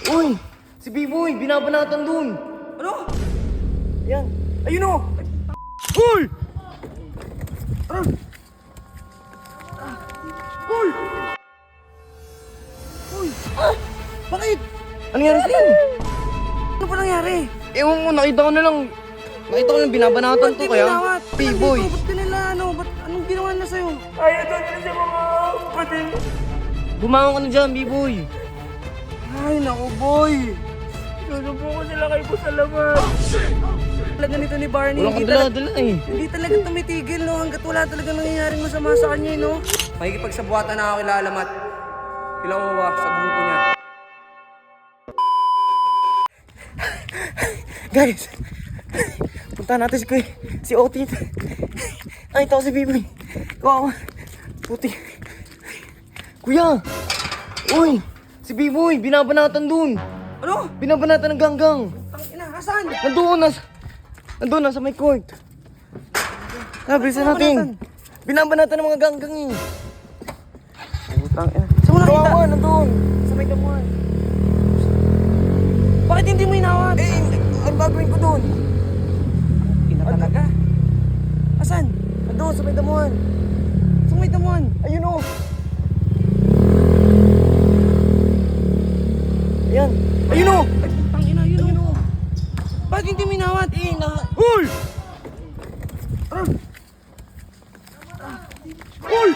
Uy! Si B-Boy! Binabanatan dun! Ano? Yan! Ayun o! Uy! Ano? Uy! Uy! Bakit? Ano nangyari sa'yo? Ano pa nangyari? Ewan ko, nakita ko na lang. Nakita ko lang binabanatan Ba't to di kaya. minawat? B-Boy! Ba't ka nila ano? Ba't anong ginawa nila sa'yo? Ayaw doon na sa mga kapatid. Bumangon ka na dyan, B-Boy! Ay, naku boy! Susubo ko sila kay Boss Alamat. Talaga nito ni Barney, Walang kadala-dala eh. hindi talaga tumitigil, no? Hanggat wala talaga nangyayaring masama sa kanya, no? Makikipagsabuatan na ako kila Alamat. Kila Owa, sa grupo niya. Guys! Punta natin si Otit. Ay, ito si B-Boy. Kawawa. Puti. Kuya! Uy! Si B-Boy! Binabanatan dun! Ano? Binabanatan ng ganggang! Tangina, asan? Nandun na sa may court. Bilisan natin. Binabanatan ng mga ganggang eh. Putang ina. Saan mo nakita? Kawawa, nandun. Sa may damuhan. Bakit hindi mo inawat? Eh, ang gagawin ko dun? Ina talaga. Asan? Nandun, sa may damuhan. Saan may damuhan? Ayun o. Ayan. Ayun o. Ay, tangina, yun o. Bakit hindi mo inawat? Uy! Uy!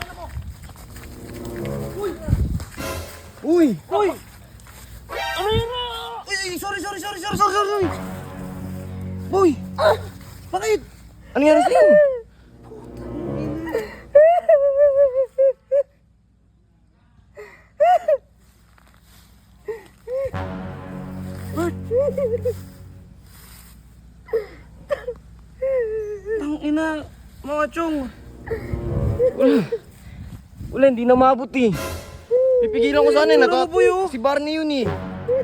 Uy! Uy! Ano yun na? Uy, sorry. Boy! Bakit? Ano nangyari sa'yo? Bert! Tangina, mga chong. Wala, hindi na maabot eh. Pipigilan ko sana eh. Wala ko, boy, oh. Si Barney yun eh.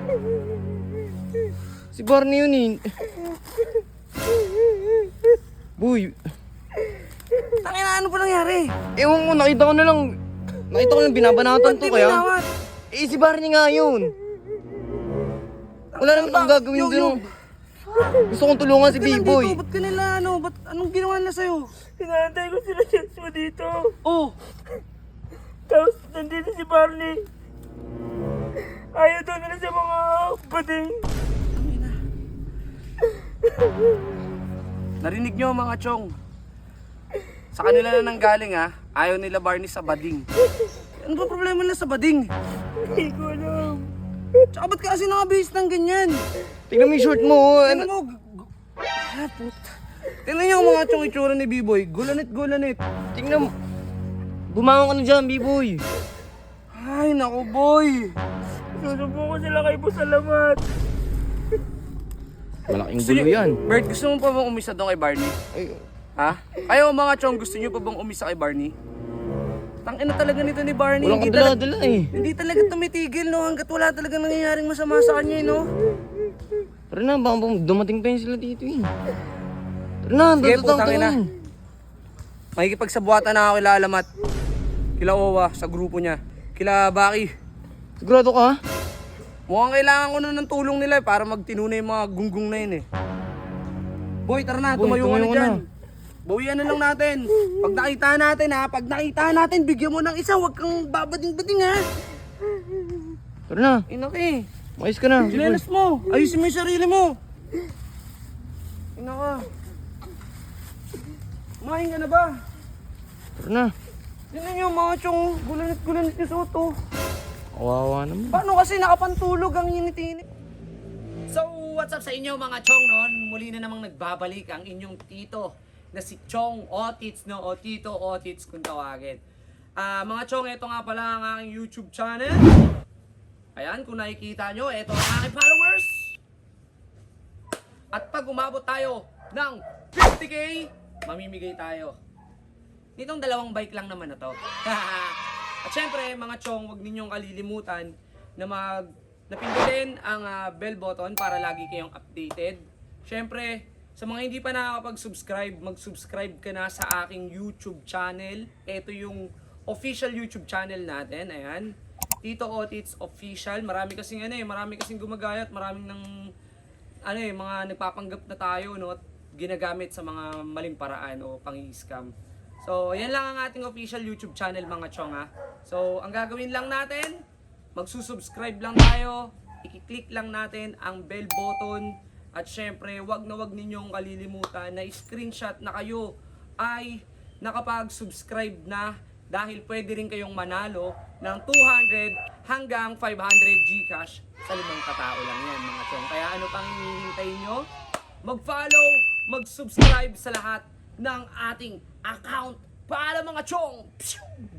Si Barney yun eh. Boy, Tangina, ano pa nangyari? ewan ko, nakita ko lang binabanatan Ba't to di mo kaya. inawat? Eh, si Barney nga yun. Wala naman akong gagawin dun. Gusto kong tulungan si Ba't ka B-Boy. nandito? Ba't ka nila ano? Anong ginawa nila sa'yo? Pinantay ko sila Joshua dito. Oh! Tapos nandito si Barney. Ayaw doon na sa mga bading. Tangina. Narinig nyo mga chong. Sa kanila na nanggaling ha. Ayaw nila Barney sa bading. Ano ba problema nila sa bading? Hindi ko alam. Tsaka ba't ka kasi nakabihis ng ganyan? Tingnan mo yung short mo. Oh. Tingnan mo. Puta. Tingnan nyo ang mga chong itsura ni B-Boy. Gulanit. Tingnan mo. Bumangon ka na dyan, B-Boy. Ay, naku boy. Susubo ko sila kay Boss Alamat. Malaking gulo yan. Bert, gusto mo pa bang umisa doon kay Barney? Ay, Ha? Kayo mga chong, gusto nyo pa bang umisa kay Barney? Tangina talaga nito ni Barney. walang Hindi talaga, kadala-dala eh. hindi talaga tumitigil, no? Hanggat wala talaga nangyayaring masama sa kanya, no? Tara na, baka dumating pa yun sila dito eh. Tara na, Sige, tatataw putang ina. tayo. Makikipagsabuatan na ako kila Alamat. Kila Owa, sa grupo niya. Kila Baki. Sigurado ka? Mukhang kailangan ko na ng tulong nila para magtinuna yung mga gunggong na yun eh. Boy, tara na, Boy, tumayo ka na tumayo ka dyan. na. Bawian na lang natin. Pag nakita natin ha, pag nakita natin, bigyan mo ng isa, huwag kang babading-bading ha. Tara na, Inaki, mais ka na. sinelas mo, ayusin mo yung sarili mo. Inaka. Kumain ka na ba? Tara na. Tignan nyo mga chong, gulanit yung suot oh. Kawawa naman. Paano kasi nakapantulog ang init-init? So, what's up sa inyo mga chong noon? Muli na namang nagbabalik ang inyong tito na si Chong Otits, no? O Tito Otits kung tawagin. Mga chong, ito nga pala ang aking YouTube channel. Ayan, kung nakikita nyo, ito ang aking followers. At pag umabot tayo ng 50k, mamimigay tayo. Nitong dalawang bike lang naman na to. At syempre, mga chong, huwag ninyong kalilimutan na napindutin ang bell button para lagi kayong updated. Syempre, sa mga hindi pa nakakapag-subscribe, mag-subscribe ka na sa aking YouTube channel. Ito yung official YouTube channel natin. Ayan. Tito Otits Official. Marami kasing gumagayat, maraming mga nagpapanggap na tayo, no, at ginagamit sa mga maling paraan o pang-scam. So, yan lang ang ating official YouTube channel, mga chong, ha. So, ang gagawin lang natin, magsusubscribe lang tayo, i-click lang natin ang bell button, at syempre, wag ninyong kalilimutan na screenshot na kayo ay nakapag-subscribe na, dahil pwede rin kayong manalo ng 200 hanggang 500 GCash sa 5 katao lang yan, mga chong. Kaya ano pang hinihintay nyo? Mag-follow, mag-subscribe sa lahat ng ating account para, mga chong! Pshoo!